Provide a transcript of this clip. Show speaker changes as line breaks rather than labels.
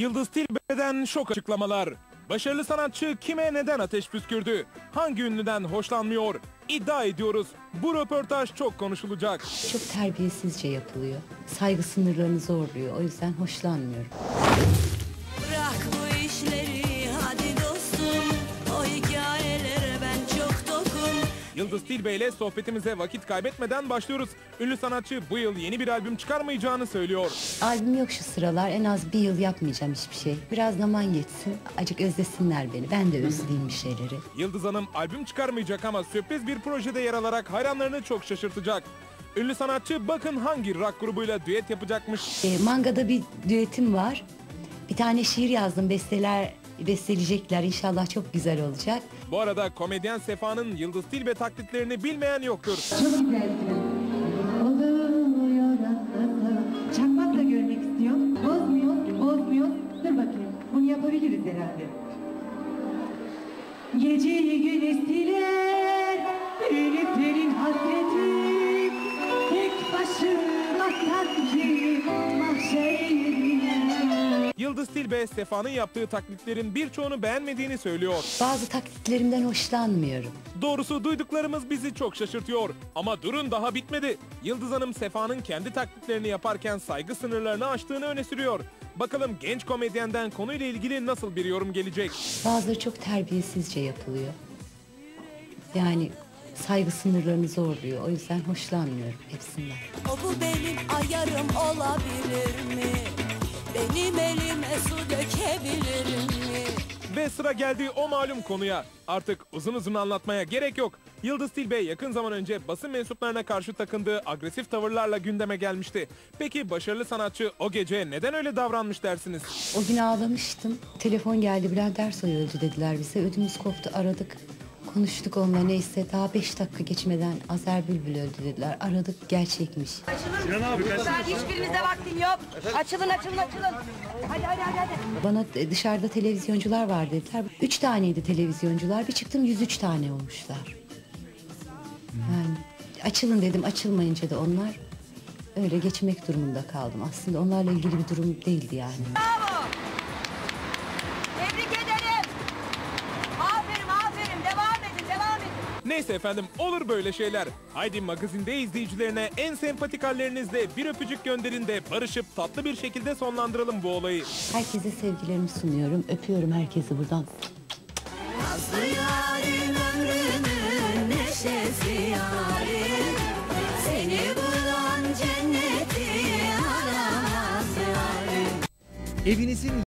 Yıldız Tilbe'den şok açıklamalar. Başarılı sanatçı kime neden ateş püskürdü? Hangi ünlüden hoşlanmıyor? İddia ediyoruz. Bu röportaj çok konuşulacak.
Çok terbiyesizce yapılıyor. Saygı sınırlarını zorluyor. O yüzden hoşlanmıyorum.
Bırak bu işleri hadi dostum. O hikayelere ben çok tokum.
Yıldız Tilbe ile sohbetimize vakit kaybetmeden başlıyoruz. Ünlü sanatçı bu yıl yeni bir albüm çıkarmayacağını söylüyor.
Albüm yok şu sıralar. En az bir yıl yapmayacağım hiçbir şey. Biraz zaman geçsin. Acık özlesinler beni. Ben de özleyeyim bir şeyleri.
Yıldız Hanım albüm çıkarmayacak ama sürpriz bir projede yer alarak hayranlarını çok şaşırtacak. Ünlü sanatçı bakın hangi rock grubuyla düet yapacakmış.
Manga'da bir düetim var. Bir tane şiir yazdım. Besteleyecekler. İnşallah çok güzel olacak.
Bu arada komedyen Sefa'nın Yıldız Tilbe taklitlerini bilmeyen yoktur.
Çok güzelsin. Oluyor aslında. Çakmak da görmek istiyorum. Bozmuyor. Dur bakayım. Bunu yapabiliriz herhalde. Geceyi gün estiler, eliflerin hasreti. Tek başıma sanki mahşerdeyim.
Yıldız Tilbe, Sefa'nın yaptığı taklitlerin birçoğunu beğenmediğini söylüyor.
Bazı taklitlerimden hoşlanmıyorum.
Doğrusu duyduklarımız bizi çok şaşırtıyor. Ama durun daha bitmedi. Yıldız Hanım Sefa'nın kendi taklitlerini yaparken saygı sınırlarını aştığını öne sürüyor. Bakalım genç komedyenden konuyla ilgili nasıl bir yorum gelecek?
Bazıları çok terbiyesizce yapılıyor. Yani saygı sınırlarını zorluyor. O yüzden hoşlanmıyorum hepsinden.
O bu benim ayarım olabilir mi? Benim elime su dökebilir mi?
Ve sıra geldi o malum konuya. Artık uzun uzun anlatmaya gerek yok. Yıldız Tilbe yakın zaman önce basın mensuplarına karşı takındığı agresif tavırlarla gündeme gelmişti. Peki başarılı sanatçı o gece neden öyle davranmış dersiniz?
O gün ağlamıştım. Telefon geldi. Bülent Ersoy öldü dediler bize. Ödümüz koptu. Aradık. Konuştuk onunla neyse. Daha 5 dakika geçmeden Azer Bülbül öldü dediler. Aradık gerçekmiş.
Hiçbirinizde vaktim yok. Açılın. Hadi.
Bana dışarıda televizyoncular var dediler. 3 taneydi televizyoncular. Bir çıktım 103 tane olmuşlar. Yani açılın dedim. Açılmayınca da onlar öyle geçmek durumunda kaldım. Aslında onlarla ilgili bir durum değildi yani.
Tebrik ederim. Aferin. Devam edin.
Neyse efendim olur böyle şeyler. Haydi magazinde izleyicilerine en sempatik hallerinizle bir öpücük gönderin de barışıp tatlı bir şekilde sonlandıralım bu olayı.
Herkese sevgilerimi sunuyorum. Öpüyorum herkesi buradan.
Nazlı yarim ömrümün neşesi yarim. Seni bulan cenneti aramaz yarim.
Evinizin